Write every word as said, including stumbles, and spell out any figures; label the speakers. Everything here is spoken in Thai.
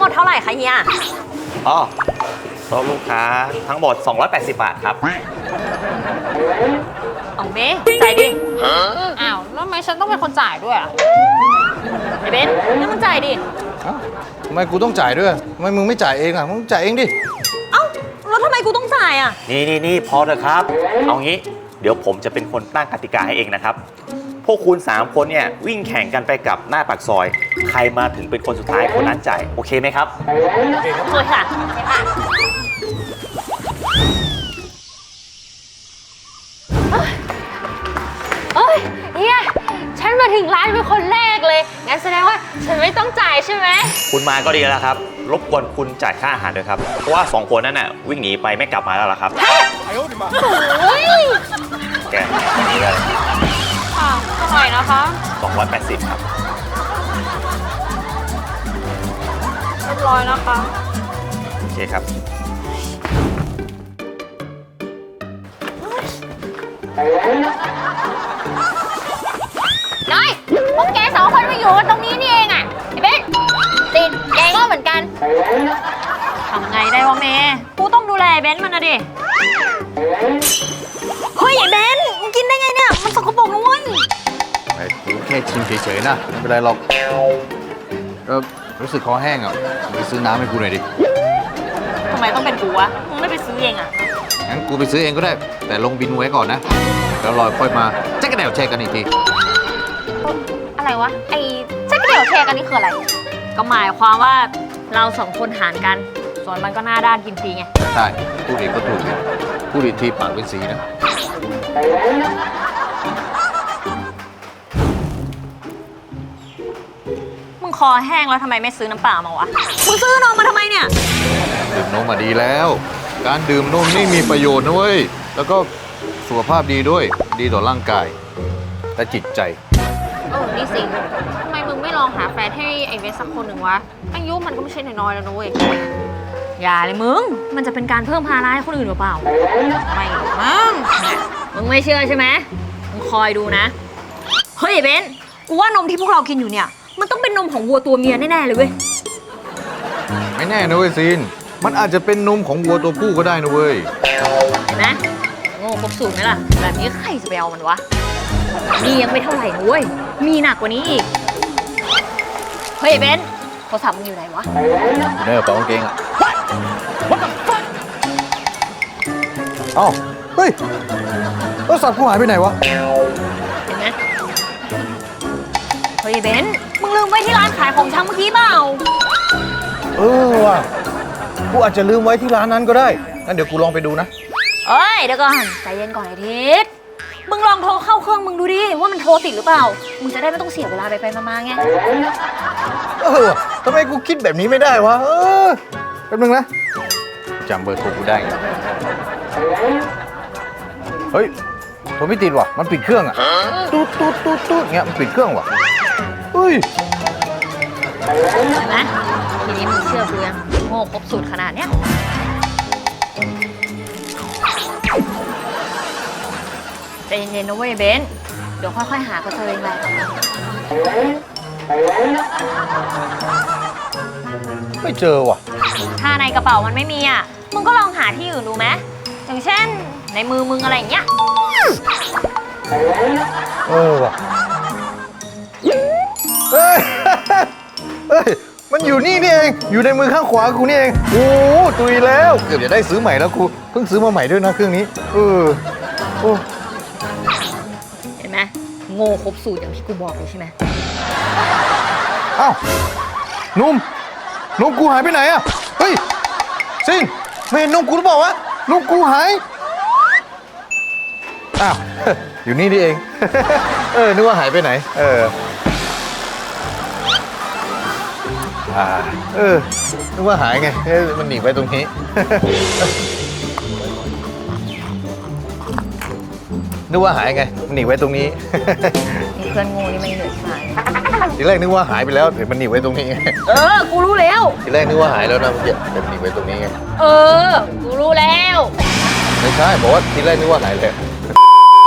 Speaker 1: ดเท่าไหร่คะเฮีย
Speaker 2: อ๋อโต๊ะลูกค้าทั้งหมดสองร้อยแปดสิบบาทครับ
Speaker 1: เอาเบ้จ่ายดิ
Speaker 3: อ้าวแล้วทำไมฉันต้องเป็นคนจ่ายด้วยอ่ะ
Speaker 1: ไอ้เบนงั้นมึงจ่ายดิ
Speaker 4: ทำไมกูต้องจ่ายด้วยทำไมมึงไม่จ่ายเองอ่ะมึงจ่ายเองดิ
Speaker 1: เอ้าแล้วทำไมกูต้องจ่ายอ่ะ
Speaker 2: นี่นี่นี่พอเถอะครับเอางี้เดี๋ยวผมจะเป็นคนตั้งกติกาให้เองนะครับพวกคุณสามคนเนี่ยวิ่งแข่งกันไปกับหน้าปากซอยใครมาถึงเป็นคนสุดท้ายคนนั้นจ่ายโอเคไหมครับ
Speaker 1: โอเคครับโอเคค่ะ
Speaker 3: เอ้ยเฮียฉันมาถึงร้านเป็นคนแรกเลยงั้นแสดงว่าฉันไม่ต้องจ่ายใช่ไหม
Speaker 2: คุณมาก็ดีแล้วครับรบกวนคุณจ่ายค่าอาหารด้วยครับเพราะว่าสองคนนั้นน่ะวิ่งหนีไปไม่กลับมาแล้วล่ะครับ
Speaker 3: โอ้ย
Speaker 2: แกนี่เลย
Speaker 3: ค่ะเท่าไหร่นะคะ
Speaker 2: สองร้อยแปดสิบครับ
Speaker 3: เรียบร้อยนะคะ
Speaker 2: โอเคครับ
Speaker 3: น้อยพวกแกสองคนมาอยู่ตรงนี้นี่เองอ่ะไอ้เบนติดแกก็เหมือนกัน
Speaker 1: ทำไงได้วะเมย์กูต้องดูแลเบนมันนะดิเฮ้ยไอ้เบนมึงกินได้ไงเนี่ยมันสกปรกนะเว้ย
Speaker 4: ไอ้กูแค่ชิมเฉยๆนะไม่เป็นไรหรอกก็รู้สึกคอแห้งอ่ะไปซื้อน้ำให้กูหน่อยดิ
Speaker 1: ทำไมต้องเป็นกูวะมึงไม่ไปซื้อเองอ่ะ
Speaker 4: งั้นกูไปซื้อเองก็ได้แต่ลงบินไว้ก่อนนะแล้วรอค่อยมาแจ็คกระเดี่ยวแชร์กันอีกที
Speaker 3: อะไรวะไอ้แจ็คกระเดี่ยวแชร์กันนี่คืออะไร
Speaker 1: ก็หมายความว่าเราสองคนหารกันส่วนมันก็หน้าด้านกินฟรีไง
Speaker 4: ใช่พูดอีกก็ถูกพูดอีกทีปากเป็นสีนะ
Speaker 1: มึงคอแห้งแล้วทำไมไม่ซื้อน้ำเปล่ามาวะมึงซื้อนมมาทำไมเนี่ย
Speaker 4: ดื่มนมมาดีแล้วการดื่มนมนี่มีประโยชน์นะเว้ยแล้วก็สุขภาพดีด้วยดีต่อร่างกายและจิตใจ
Speaker 3: เออนี่สิทำไมมึงไม่ลองหาแฟนให้ไอเวสสักคนหนึ่งวะอายุมันก็ไม่ใช่น้อยๆแล้วนะเว้ย
Speaker 1: อย่าเลยมึงมันจะเป็นการเพิ่มภาระให้คนอื่นหรือเปล่า
Speaker 3: ไม่มั้ง
Speaker 1: มึงไม่เชื่อใช่ไหมมึงคอยดูนะเฮ้ยเบนกูว่านมที่พวกเรากินอยู่เนี่ยมันต้องเป็นนมของวัวตัวเมียแน่ๆเลยเว้ย
Speaker 4: ไม่แน่นะเว้ยซีนมันอาจจะเป็นนมของวัวตัวผู้ก็ได้นะเว้ย
Speaker 1: เห็นไหมโง่ครบสูตรไหมล่ะแบบนี้ใครจะไปเอามันวะนี่ยังไม่เท่าไหร่นะเว้ยมีหนักกว่านี้อีกเฮ้ยเบนโทรศัพท์มึงอยู่ไหนวะ
Speaker 4: อยู่ในกระเป๋ากางเกงอ่ะเอ้าเฮ้ยโทรศัพท์กูหายไปไหนวะ
Speaker 1: เห็นไหมเฮ้ยเบนมึงลืมไว้ที่ร้านขายของชำเมื่อกี้เปล่า
Speaker 4: เออว่ะกูอาจจะลืมไว้ที่ร้านนั้นก็ได้งั้นเดี๋ยวกูลองไปดูนะ
Speaker 1: เอ้ยเดี๋ยวก่อนใจเย็นก่อนไอ้ทิศมึงลองโทรเข้าเครื่องมึงดูดิว่ามันโทรติดหรือเปล่ามึงจะได้ไม่ต้องเสียเวลาไปไปมาๆไง
Speaker 4: เออทำไมกูคิดแบบนี้ไม่ได้วะเออแป๊บนึงนะจำเบอร์โทรกูได้ไงเฮ้ยโทรไม่ติดว่ะมันปิดเครื่องอ่ะตุ๊ดตุ๊ดตุ๊ดตุ๊ดเงี้ยมันปิดเครื่องว่ะเฮ้ย
Speaker 1: เห็นไหมทีนี้มึงเชื่อกูยังโง่ครบสูตรขนาดเนี้ยใจเย็นๆนะเว้ยเบนเดี๋ยวค่อยๆหาก็เจอเองแหละ
Speaker 4: ไม่เจอว่ะ
Speaker 1: ถ้าในกระเป๋ามันไม่มีอ่ะมึงก็ลองหาที่อื่นดูไหมอย่างเช่นในมือมึงอะไรอย่างเงี้ย
Speaker 4: เออว่ะเฮ้ยเฮ้ยมันอยู่นี่นี่เองอยู่ในมือข้างขวากูนี่เองโอ้ตุยแล้วเกือบจะได้ซื้อใหม่แล้วกูเพิ่งซื้อมาใหม่ด้วยนะเครื่องนี้เออโอ้
Speaker 1: เห็นไหมโง่ครบสูตรอย่างที่กูบอกเลยใช่ไหม
Speaker 4: อ้าวนุ่มนุ่มกูหายไปไหนอะเฮ้ยซินไม่เห็นนุ่มกูหรือเปล่าวะนุ่มกูหายอ้าวอยู่นี่นี่เองเออนึกว่าหายไปไหนเอออ่าเออนึกว่าหายไงเฮ้ยมันหนีไปตรงนี้นึกว่าหายไงมันหนีไว้ตรงนี้
Speaker 1: มีเพื่อนงูนี่ไม่เหนื่อยใช่ไหม
Speaker 4: ทีแรกนึกว่าหายไปแล้วแต่มันหนีไว้ตรงนี้ไง
Speaker 1: เออกูรู้แล้ว
Speaker 4: ทีแรกนึกว่าหายแล้วนะมันแต่มันหนีไว้ตรงนี้ไง
Speaker 1: เออกูรู้แล้ว
Speaker 4: ไม่ใช่บอกว่าทีแรกนึกว่าหายเลย